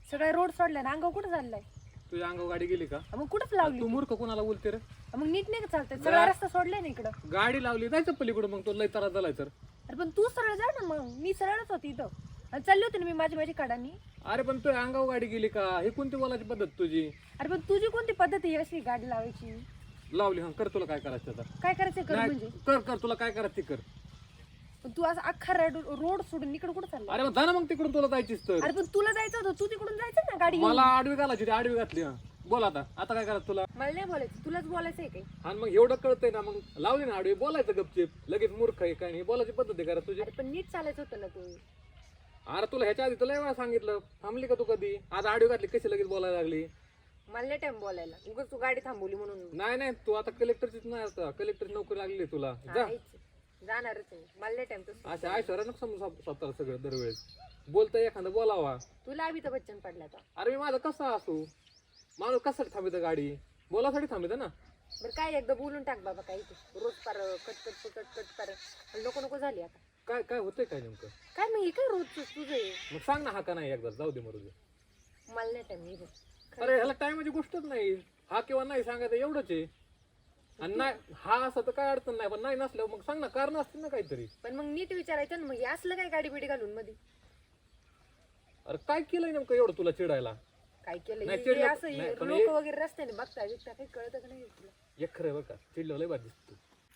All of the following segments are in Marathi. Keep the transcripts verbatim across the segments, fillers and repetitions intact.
सगळा रोड सोडलाय ना, अंगावर कुठं चाललाय? तुझ्या अंगावर गाडी गेली का? मग कुठंच लावली? तू मूर्ख कोणाला बोलते रे? मग नीट नाही का चालतंय? सगळा रस्ता सोडलाय ना इकडं. गाडी लावली जायचं पलीकडे, मग तो लय त्रास झालाय तर. अरे पण तू सरळ जा ना, मग मी सरळच होती इथं आणि चालली होती ना मी माझी माझी काढानी. अरे पण तुझ्या अंगावर गाडी गेली का? हे कोणती बोलायची पद्धत तुझी? अरे पण तुझी कोणती पद्धत आहे अशी गाडी लावायची? लावली हा, कर तुला काय करायचं आता. काय करायचं कर नाही, म्हणजे? कर कर तुला काय करायचं ते कर. पण तू असं अख्खा रोड सोडून इकडे कुठं चालला? अरे मग जा ना मग तिकडून, तुला जायचीच तर. अरे पण तुला जायचं होतं, तू तिकडून जायचं ना गाडी घेऊन. मला आडवी घालायची ती आडवी घातली. हा बोल आता आता काय करायचं तुला? मला नाही बोलायचं, तुलाच बोलायचं आहे काही. आणि मग एवढं कळतंय ना, मग लावली ना आडवी, बोलायचं गपचिप. लगेच मूर्ख आहे काय नाही, बोलायची पद्धत आहे करा तुझी. अरे पण नीट चालायचं होतं ना तू. अरे तुला ह्याच्या आधी तुला वेळा सांगितलं, थांबली का तू कधी? आज आडवी घातली कशी लगेच बोलायला लागली? मला नाही टाइम बोलायला, उगाच तू गाडी थांबवली म्हणून. नाही नाही, तू आता कलेक्टरचीच नाही, आता कलेक्टरची नोकरी लागली तुला. जा जाणारच आहे, मला नाही टाइम तसं. अशा आयशोरा नको समजू स्वतःला सगळं दरवेळेस. बोलतोय एखादं बोलावा. तुला अमिताभ बच्चन पडला आता. अरे मी माझं कसं असू, माणूस कशासाठी थांबित गाडी? बोलासाठी थांबित ना. बरं काय एकदा बोलून टाक बाबा, काही तू रोज पार कट कट कट कट पार नको नको झाली आता. काय काय होतंय काय नेमकं? काय मग हे काय रोज तुझं आहे? मग सांग ना हा का नाही एकदा, जाऊ दे मरू दे. मला नाही टाइम. अरे ह्याला टायमाची गोष्टच नाही, हा किंवा नाही सांगायचं एवढंच आहे. आणि नाही हा असं तर काय अडचण नाही, पण नाही नसल्यावर मग सांग ना, कारण असतील ना काहीतरी. पण मग नीट विचारायचं ना, मग हे असलं काय गाडी बिडी घालून मध्ये? अरे काय केलंय नेमकं एवढं तुला चिडायला? काय केलं नाही, हे चिडलं- असं नाही, पण लोक हे- वगैरे रस्त्याने बघता बिघता काही कळतं का नाही तुला? एक खरं बघा, चिडलं लय बाद दिसतो.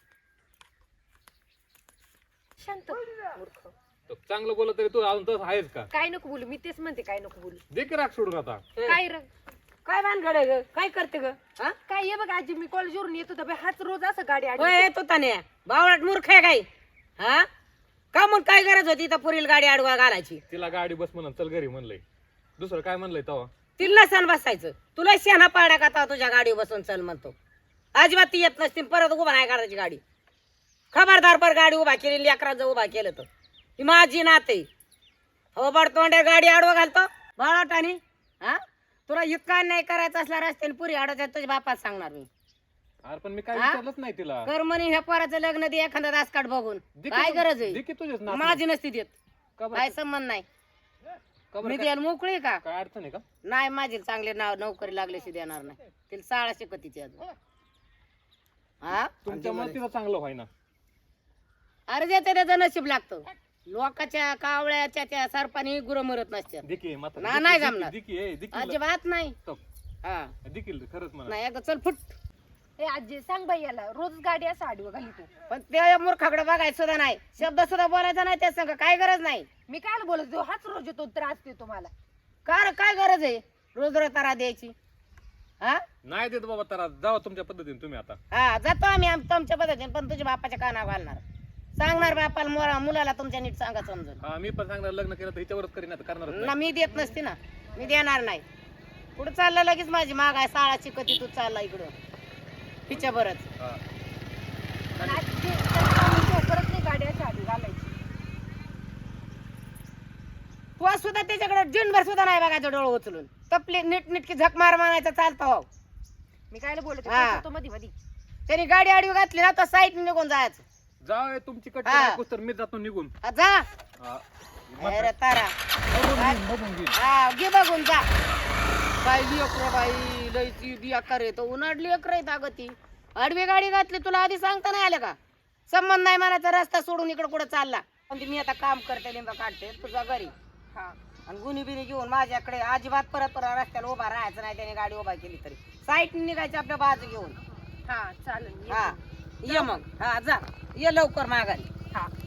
शांत मूर्ख. तो चांगलं बोलत तरी तू अजून तसं आहेस का? काय नको बोलू, मी तेच म्हणते काय नको बोलू. दे की राग सोडून आता. काय र काय भानगड आहे ग? काय करते ग? हा? काय ये बघ आजी, मी कॉलेजवरून येत होता हाच रोज असं गाडी आली. होय येतो ताने बावळाट मूर्ख आहे काय? हा का मग काय गरज होती इथं पुरील गाडी आडवा घालायची? तिला गाडी बस म्हणून चल घरी म्हणलंय, दुसरं काय म्हणलंय तेव्हा? तिला सण बसायचं, तुला शेणा पाड्या का आता तुझ्या गाडी बसून चल म्हणतो. अजिबात ती येत नसती, परत उभा नाही करायची गाडी. खबरदार पर गाडी उभा केली, लेकराचं उभा केलं तर ही माझी नाते. हो बड तोंड्या गाडी आडवा घालतो बाळाटाने. हा तुला इतका नाही करायचं असला रस्त्याने पुरी आडवायच्या तुझ्या बापात सांगणार मी. अरे पण मी काय हा? विचारलंच नाही तिला. कर म्हणे ह्या पोराचं लग्न दे एखादा रासकाट बघून. दे की काय तू- गरज दे आहे? की तुझेच ना. माझी नसती देत, का बरं? काय संबंध नाही. का बरं? मी काय- द्यायला मोकळी का? काय अडचण आहे का? नाही माझी चांगले नाव नोकरी लागल्याशी देणार नाही. तिला शाळा शिकवतीची अजून. हा तुमच्यामुळे तिला चांगलं व्हाय ना. अरे ज्याचं त्याचं नशीब लागतं. लोकाच्या कावळ्याच्या त्या सरपानी गुरं मरत नसतात. दिकी माता ना, नाही जमणार. दिकी ए दिकी अजिबात नाही. तो. हा दिकील खरंच म्हणा. नाही एकदा चल फुट. ए आजी सांग बाई याला, रोज गाडी असं आडवं घाली तू. पण त्या मूर्खाकडे बघायचं सुद्धा नाही, शब्द सुद्धा बोलायचा नाही त्या संग. काय गरज नाही. मी काय बोलत होतो, हाच रोज येतो त्रास देतो मला. कार काय गरज आहे रोज रोज तारा द्यायची? हा नाही देत बाबा, तर जावा तुमच्या पद्धतीने तुम्ही आता. हा जातो आम्ही आम- तुमच्या पद्धतीने, पण तुझ्या बापाच्या कानावर घालणार. सांगणार बापाला मोरा मुलाला तुमच्या नीट सांगा समजून. हा मी पण सांगणार, लग्न केलं तर हिच्यावरच करीन, आता करणारच ना नाही. मी देत नसते ना, मी देणार नाही. पुढे चाललं लगेच माझी माग आहे, शाळा शिकती तू चालला इकडं हिच्या बरंच. हा. आजी, त्याला परत नाही गाडी अशी आडवी घालायची. तू सुद्धा त्याच्याकडे जिनभर सुद्धा नाही बघायचं डोळं उचलून. तपली नीट नीटकी झक मार मारायचं चालतं. हो मी काय बोलत हा. होतो मध्ये मध्ये. त्यांनी गाडी आडवी घातली ना तर साईड निघून जायचं. जाऊ तुमची कट हा. ऐकूस तर मी जातो निघून. हा, जा हा. अरे तारा. बघून घेईन, बघून घेईन. हा घे बघून जा. बाई लेकर बाई लयची बेकार आहे तो, उन्हाडली लेकर आहे अगं ती. आडवी गाडी घातली तुला आधी सांगता नाही आलं का? संबंध नाही म्हणायचा, रस्ता सोडून इकडे कुठं चालला. म्हणजे मी आता काम करते, लिंबा काढते तुझ्या घरी. हा आणि गुन्ही बिनी घेऊन माझ्याकडे अजिबात परत परत रस्त्याला उभा राहायचं नाही. त्याने गाडी उभा केली तरी साईड निघायची आपल्या बाजू घेऊन. हा चालेल. हा ये मग. हा जा ये लवकर माघारी. हा